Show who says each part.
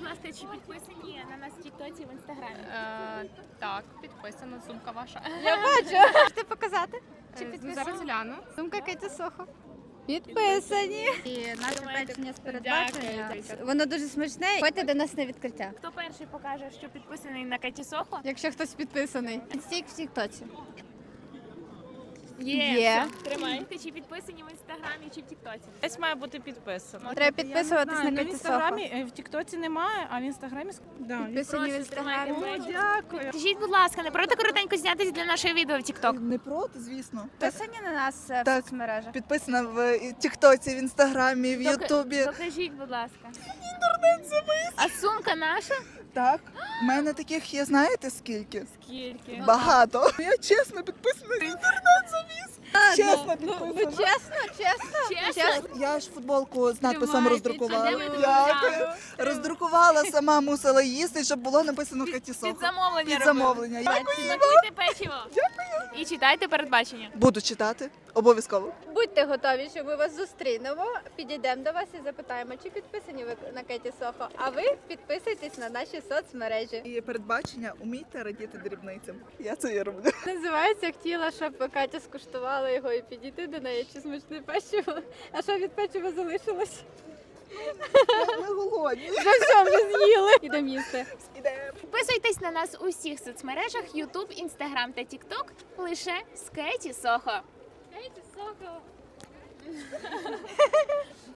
Speaker 1: ласка, чи підписані на нас в Тіктоці, в Інстаграмі?
Speaker 2: Так, підписана сумка ваша.
Speaker 3: Я бачу. Можете показати? Чи
Speaker 2: Зараз
Speaker 3: підписані?
Speaker 2: гляну.
Speaker 3: Сумка Кеті Сохо. Підписані. І наше
Speaker 1: Тримайте.
Speaker 3: печення з передбачення.
Speaker 2: Дякую.
Speaker 3: Воно дуже смачне. Ходьте до нас на відкриття.
Speaker 1: Хто перший покаже, що підписаний на Кеті Сохо?
Speaker 3: Якщо хтось підписаний. Стік в Тіктоці.
Speaker 1: Є. Все, тримайте. Чи підписані в Інстаграмі, чи в Тіктоці?
Speaker 4: Десь має бути підписано.
Speaker 3: Треба підписуватись на
Speaker 4: в
Speaker 3: Кеті Сохо.
Speaker 4: інстаграмі, в Тіктоці немає, а в інстаграмі
Speaker 3: Підписані в Інстаграмі.
Speaker 4: Дякую.
Speaker 1: Скажіть, будь ласка, не проти коротенько знятися для нашого відео в Тікток?
Speaker 5: Не проти, звісно.
Speaker 3: Підписані на нас в
Speaker 5: Так.
Speaker 3: соцмережах.
Speaker 5: Підписана в Тіктоці, в Інстаграмі, в Ютубі.
Speaker 1: Покажіть, будь ласка. А сумка наша?
Speaker 5: Так, в мене таких є, знаєте скільки?
Speaker 1: Скільки?
Speaker 5: Багато. Я чесно підписана. Інтернет-завіс. Чесно підписана.
Speaker 1: Чесно?
Speaker 5: Я ж футболку з надписом
Speaker 3: Тримайте,
Speaker 5: роздрукувала.
Speaker 1: а де ви таку
Speaker 5: Дякую.
Speaker 1: взяли?
Speaker 5: Роздрукувала, сама мусила їсти, щоб було написано Кеті
Speaker 1: Під
Speaker 5: Сохо.
Speaker 1: замовлення
Speaker 5: Під
Speaker 1: робили.
Speaker 5: замовлення.
Speaker 1: Смакуйте печиво. Дякую. І читайте передбачення.
Speaker 5: Буду читати. Обов'язково.
Speaker 3: Будьте готові, що ми вас зустрінемо. Підійдемо до вас і запитаємо, чи підписані ви на Кеті Сохо. А ви підписуйтесь на наші соцмережі.
Speaker 5: І передбачення умійте радіти дрібницям. Я це і роблю.
Speaker 3: Називається хотіла, щоб Катя скуштувала його і підійти до неї, чи смачне печиво. А що від печива залишилось?
Speaker 5: Ми голодні.
Speaker 3: Вже з'їли. Ідемо їсти.
Speaker 5: Ідемо.
Speaker 1: Підписуйтесь на нас у всіх соцмережах YouTube, Instagram та TikTok лише з Кеті Сохо.
Speaker 3: Кеті Сохо.